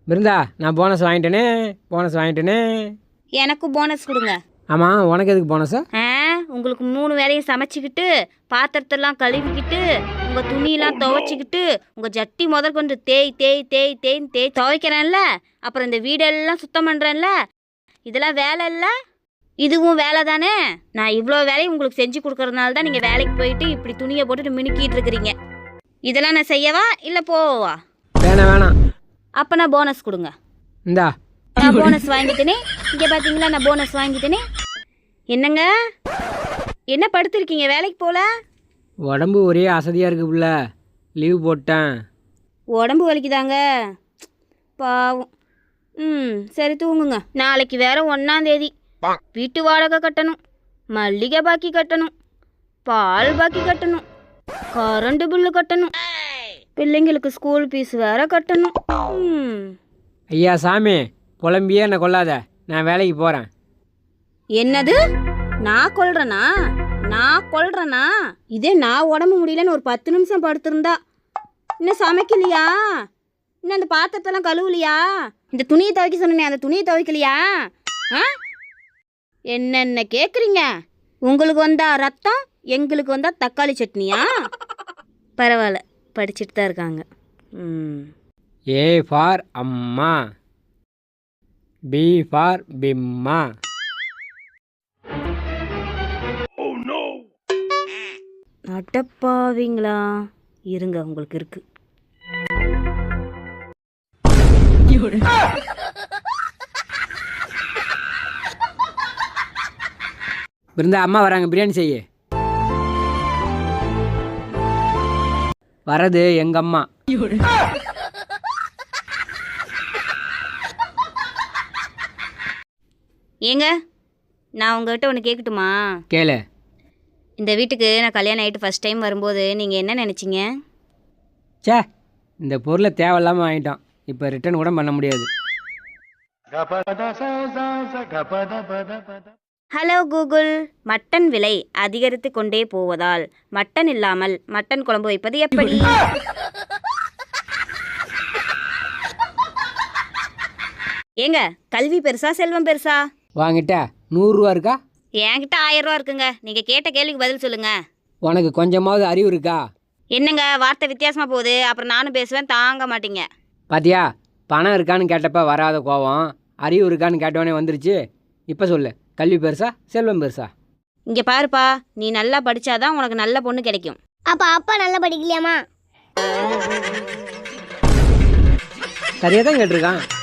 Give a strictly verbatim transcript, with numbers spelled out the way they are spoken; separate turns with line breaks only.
பிருந்தா, நான் bonus வாங்கிட்டேனே bonus வாங்கிட்டேனே
எனக்கு bonus கொடுங்க.
ஆமாம், உனக்கு எதுக்கு போனஸா?
ஆ உங்களுக்கு மூணு வேலையும் சமைச்சிக்கிட்டு பாத்திரத்தெல்லாம் கழுவிக்கிட்டு உங்கள் துணியெல்லாம் துவைச்சிக்கிட்டு உங்கள் ஜட்டி முதற்கொண்டு தேய் தேய் தேய் தேய்ன்னு தேய் துவைக்கிறேன்ல, அப்புறம் இந்த வீடெல்லாம் சுத்தம் பண்ணுறேன்ல, இதெல்லாம் வேலை இல்லை? இதுவும் வேலை தானே? நான் இவ்வளோ வேலையும் உங்களுக்கு செஞ்சு கொடுக்கறதுனால தான் நீங்கள் வேலைக்கு போயிட்டு இப்படி துணியை போட்டுட்டு மினுக்கிட்டு இருக்கிறீங்க. இதெல்லாம் நான் செய்யவா இல்லை போவா?
வேணாம் வேணாம்.
அப்போ நான் போனஸ் கொடுங்க.
இந்தா,
நான் போனஸ் வாங்கிட்டேனே. இங்கே பார்த்தீங்களா, நான் போனஸ் வாங்கிட்டேனே. என்னங்க என்ன படுத்திருக்கீங்க, வேலைக்கு போகல?
உடம்பு ஒரே அசதியாக இருக்கு புள்ள, லீவ் போட்டேன்.
உடம்பு வலிக்குதாங்க? பாவம். ம் சரி தூங்குங்க. நாளைக்கு வேற ஒன்றாந்தேதி. வீட்டு வாடகை கட்டணும், மல்லிகை பாக்கி கட்டணும், பால் பாக்கி கட்டணும், கரண்ட் பில்லு கட்டணும், பிள்ளைங்களுக்கு ஸ்கூல் ஃபீஸ் வேற கட்டணும். ம்
ஐயா சாமி, புலம்பியே என்னை கொள்ளாத, நான் வேலைக்கு போகிறேன்.
என்னது? நான் கொல்றேனா? நான் கொல்றேனா? இதே நான் உடம்பு முடியலன்னு ஒரு பத்து நிமிஷம் படுத்திருந்தா. இன்னும் சமைக்கலையா? இன்னும் அந்த பாத்திரத்தெல்லாம் கழுவலையா? இந்த துணியை துவைக்க சொன்னேன், அந்த துணியை துவைக்கலையா? ஆ என்னென்ன கேட்குறீங்க? உங்களுக்கு வந்தா ரத்தம், எங்களுக்கு வந்தா தக்காளி சட்னியா? பரவாயில்ல, படிச்சுட்டு தான் இருக்காங்க. ம்
ஏ ஃபார் அம்மா, பி ஃபார் பிம்மா.
அடப்பாவீங்களா? இருங்க, உங்களுக்கு இருக்கு.
பிருந்தா, அம்மா வராங்க, பிரியாணி செய்ய. வரது எங்க அம்மா.
ஏங்க, நான் உங்கள்கிட்ட ஒன்று கேட்கட்டுமா?
கேளு.
இந்த வீட்டுக்கு நான் கல்யாணம் ஆகிட்டு ஃபஸ்ட் டைம் வரும்போது நீங்கள் என்ன நினச்சிங்க?
சே, இந்த பொருளை தேவையில்லாமல் வாங்கிட்டோம், இப்போ ரிட்டர்ன் கூட பண்ண முடியாது.
ஹலோ கூகுள், மட்டன் விலை அதிகரித்து கொண்டே போவதால் மட்டன் இல்லாமல் மட்டன் குழம்பு வைப்பது எப்படி? ஏங்க, கல்வி பெருசா செல்வம் பெருசா?
வாங்கிட்ட நூறுரூவா இருக்கா?
என்கிட்ட ஆயிரம் ரூபா இருக்குங்க. நீங்கள் கேட்ட கேள்விக்கு பதில் சொல்லுங்க.
உனக்கு கொஞ்சமாவது அறிவு இருக்கா?
என்னங்க வார்த்தை வித்தியாசமாக போகுது, அப்புறம் நானும் பேசுவேன், தாங்க மாட்டீங்க.
பாத்தியா, பணம் இருக்கான்னு கேட்டப்ப வராத கோவம் அறிவு இருக்கான்னு கேட்டவனே வந்துருச்சு. இப்போ சொல்லு, கல்வி பெருசா செல்வம் பெருசா?
இங்கே பாருப்பா, நீ நல்லா படித்தாதான் உனக்கு நல்ல பொண்ணு கிடைக்கும்.
அப்பா அப்பா நல்லா படிக்கலையாமா?
சரியாக தான் கேட்டிருக்கான்.